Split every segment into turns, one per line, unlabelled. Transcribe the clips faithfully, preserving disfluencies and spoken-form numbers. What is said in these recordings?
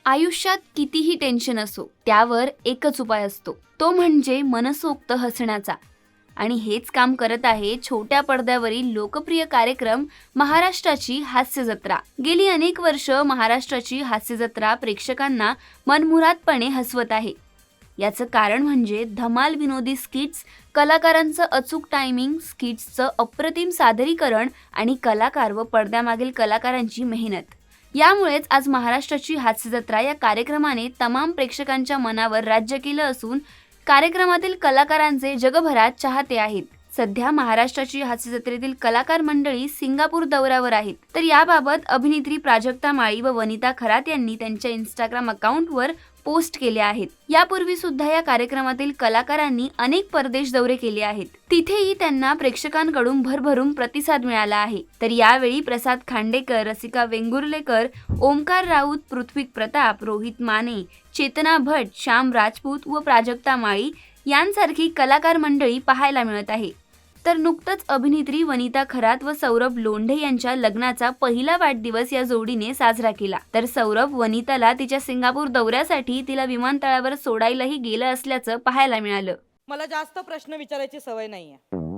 आयुष्यात कितीही टेन्शन असो त्यावर एकच उपाय असतो, तो म्हणजे मनसोक्त हसण्याचा. आणि हेच काम करत आहे छोट्या पडद्यावरील लोकप्रिय कार्यक्रम महाराष्ट्राची हास्य जत्रा. गेली अनेक वर्ष महाराष्ट्राची हास्य जत्रा प्रेक्षकांना मनमुरादपणे हसवत आहे. याचं कारण म्हणजे धमाल विनोदी स्किट्स, कलाकारांचं अचूक टायमिंग, स्किट्सचं अप्रतिम सादरीकरण आणि कलाकार व पडद्यामागील कलाकारांची मेहनत. यामुळेच आज महाराष्ट्राची हास्य जत्रा या कार्यक्रमाने तमाम प्रेक्षकांच्या मनावर राज्य केलं असून कार्यक्रमातील कलाकारांचे जगभरात चाहते आहेत. सध्या महाराष्ट्राची हास्य जत्रेतील कलाकार मंडळी सिंगापूर दौऱ्यावर आहेत. तर याबाबत अभिनेत्री प्राजक्ता माळी व वनिता खरात यांनी त्यांच्या इंस्टाग्राम अकाउंटवर पोस्ट केले आहेत. यापूर्वी सुद्धा या कार्यक्रमातील कलाकारांनी अनेक परदेश दौरे केले आहेत. तिथेही त्यांना प्रेक्षकांकडून भरभरून प्रतिसाद मिळाला आहे. तर यावेळी प्रसाद खांडेकर, रसिका वेंगुर्लेकर, ओमकार राऊत, पृथ्वी प्रताप, रोहित माने, चेतना भट, श्याम राजपूत व प्राजक्ता माळी यांसारखी कलाकार मंडळी पाहायला मिळत आहे. तर नुकतंच अभिनेत्री वनिता खरात व सौरभ लोंढे यांच्या लग्नाचा पहिला वाढदिवस या जोडीने साजरा केला. तर सौरभ वनिताला तिच्या सिंगापूर दौऱ्यासाठी तिला विमानतळावर सोडायलाही गेलं असल्याचं पाहायला मिळालं.
मला जास्त प्रश्न विचारायची सवय नाहीये.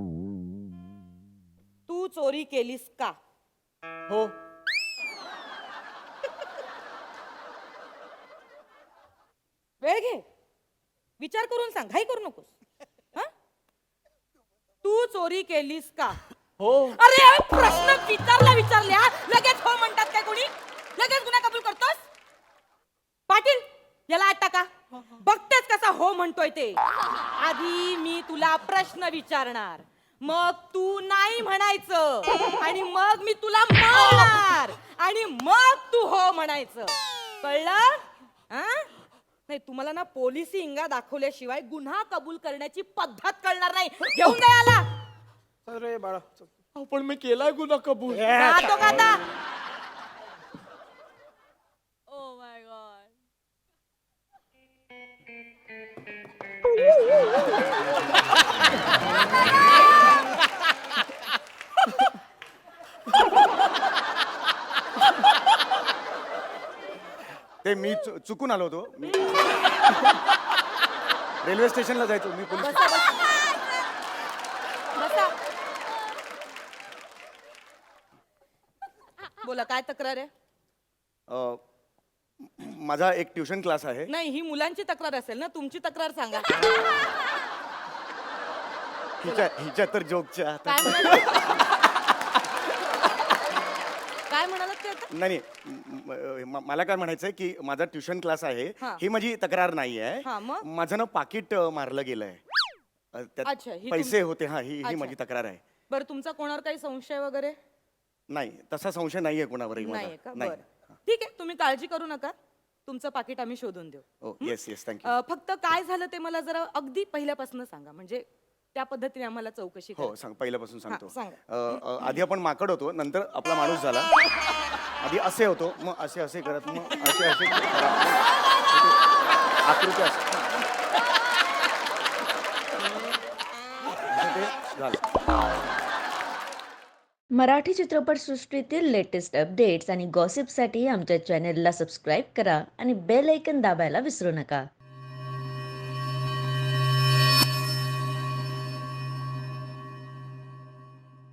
तू चोरी केलीस का? हो. वेळ घे, विचार करून सांग, घाई करू नकोस. तू चोरी केलीस का?
हो.
अरे प्रश्न विचारला विचारल्या लगेच हो म्हणतात काय कोणी? लगेच गुन्हा कबूल करतोस? पाटील याला आत टाका. बघतेच कसा हो म्हणतोय ते. आधी मी तुला प्रश्न विचारणार, मग तू नाही म्हणायचं आणि मग मी तुला मारणार आणि मग तू हो म्हणायचं. कळलं? नाही तुम्हाला ना पोलिसी इंगा दाखवल्याशिवाय गुन्हा कबूल करण्याची पद्धत कळणार नाही. घेऊन जा याला.
अरे बाळा, पण मी केलाय गुन्हा कबूल.
जातो का आता? Oh my God.
ते मी चु- चुकून आलो होतो. मी रेल्वे स्टेशनला जायचो मी. पोलीस
बसा, बसा. बसा. बोला काय तक्रार आहे?
अ, माझा एक ट्युशन क्लास आहे.
नाही ही मुलांची तक्रार असेल ना, तुमची तक्रार सांगा.
हिच्या हिच्या तर जोकच्या.
काय म्हणालात? काय म्हणालात ते आता?
नाही नाही, म- मला काय म्हणायचंय की माझा ट्युशन क्लास आहे.
हा.
ही माझी तक्रार नाही
हा,
आहे.
मग?
माझं ना पाकिट अ, मारलं गेलंय. अ,
अच्छा,
त्यात
ही
पैसे
तुम-
होते. हा, ही ही
अच्छा.
माझी तक्रार आहे.
बरं तुमचा कोणावर काही संशय वगैरे
नाही, तसा संशय नाहीये कोणावरही माझा.
नाहीये का?
नाही.
बरं ठीक आहे, तुम्ही काळजी करू नका. तुमचं पाकिट आम्ही शोधून देऊ.
Oh yes yes, thank you.
अ, फक्त काय झालं ते मला जरा अगदी पहिल्यापासून सांगा, म्हणजे त्या पद्धतीने आम्हाला चौकशी
हो
करायची.
सांग, पहिल्यापासून सांगतो.
हा, सांगा.
अ, अ, आधी आपण माकड होतो, नंतर आपला माणूस झाला. आधी असे होतो, मग असे असे करत, मग असे असे करत, मग आकृती असे. असं ते झालं.
मराठी चित्रपटसृष्टीतील लेटेस्ट अपडेट्स आणि गॉसिपसाठी आमच्या चॅनेलला सबस्क्राईब करा आणि बेल ऐकन दाबायला विसरू नका.